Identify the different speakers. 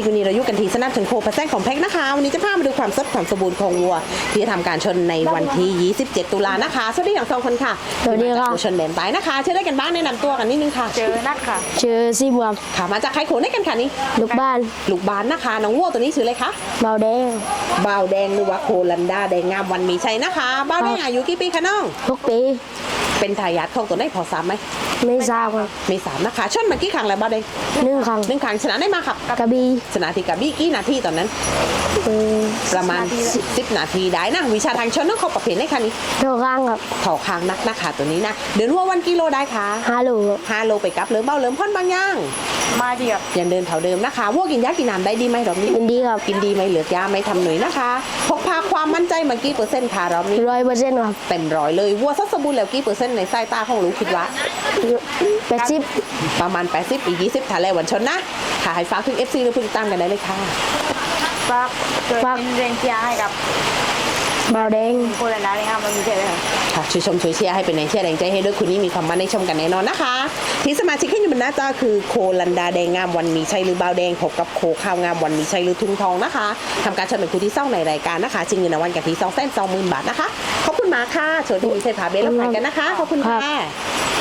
Speaker 1: ชิกวันนี้เราอยู่กันที่สนามชนโคพระแซงของแพ็กนะคะวันนี้จะพามาดูความสดความสมบูรณ์ของวัวที่จะทำการชนในวันที่ 27 ตุลานะคะสวัสดีทั้งสองคนค่ะ
Speaker 2: สวัสดีค่ะ
Speaker 1: ชนแดนใต้นะคะเชื่อได้กันบ้างแนะนำตัวกันนิดนึงค่ะ
Speaker 3: เจอนัดค่ะ
Speaker 2: เจอซีบวม
Speaker 1: ค่ะมาจากใครโขนได้กันค่ะนี่
Speaker 2: ลูกบ้าน
Speaker 1: ลูกบานนะคะน้องวัวตัวนี้ชื่ออะไรคะ
Speaker 2: เบาแดง
Speaker 1: บ่าวแดงหรือว่าโคลันดาแดงงามวันมีชัยนะคะบ่าวแดงอายุกี่ปีคะน้อง
Speaker 2: ทุกปี
Speaker 1: เป็นทายาทของตัวได้พอซ้ำไหม
Speaker 2: ไม่ทราบครับ
Speaker 1: มีสามนะคะชนมากี่ครั้งแล้วบ่าวแดง
Speaker 2: 1 ครั้ง
Speaker 1: 1 ครั้งชนะได้มาครับ
Speaker 2: กระบี่
Speaker 1: ชนะที่กับบี้กี่นาทีตอนนั้น
Speaker 2: เออ
Speaker 1: ประมาณ10 นาทีได้นะวิชาทางชนต้องเข้าประเภทได้ค่ะนี่
Speaker 2: เท่าข้างครับ
Speaker 1: เข่าคางนักนะคะตัวนี้นะเดินวัววันกิโลได้ค่ะ
Speaker 2: 5 โลครับ
Speaker 1: 5 โลไปกับเริ่มเบ้าเริ่มพ่นบางย่าง
Speaker 3: มาดีครับ
Speaker 1: ยังเดินเท่าเดิมนะคะวัวกินยากินน้ำได้ดีไหมรอบนี้
Speaker 2: เป็นดีครับ
Speaker 1: กินดีไหมเหลือยาไหมทำหน่อยนะคะพกพาความมั่นใจมากี่เปอร์เซ็นต์ค่ะรอบนี้
Speaker 2: 100%ครับ
Speaker 1: เต็มร้อยเลยวัวสัดสมบูรณ์แล้วกี่เปอร์เซ็นต์ในสายตาของลูกคิดว่า
Speaker 2: 80
Speaker 1: ประมาณ 80 อีก 20ถ่ายแล้ววันชนนะค่ะให้ฝากถึง FC หรือผู้ติดตามกันได้เลยค่ะ
Speaker 3: ฝากช่วยเป็นแรงเชียร์ให้กับ
Speaker 2: เบาแดง
Speaker 3: โคลันดาเลยครับมันมีเจอเลยครับ
Speaker 1: ค่ะช่วยชมช่วยเชียร์ให้เป็นแรงเชียร์แรงใจให้ด้วยคุณนี่มีความมั่นในชมกันแน่นอนนะคะ ที่สมาชิกที่อยู่บนหน้าจอคือโคลันดาแดงงามวันมีชัยหรือบ่าวแดงพบกับโคข้าวงามวันมีชัยหรือทุ่งทองนะคะทำการชมเป็นคู่ที่ซ่องในรายการนะคะชิงเงินรางวัลกับที่220,000 บาทนะคะขอบคุณมากค่ะโชว์ที่มีเซฟาเบลและผ่านกันนะคะขอบคุณค่ะ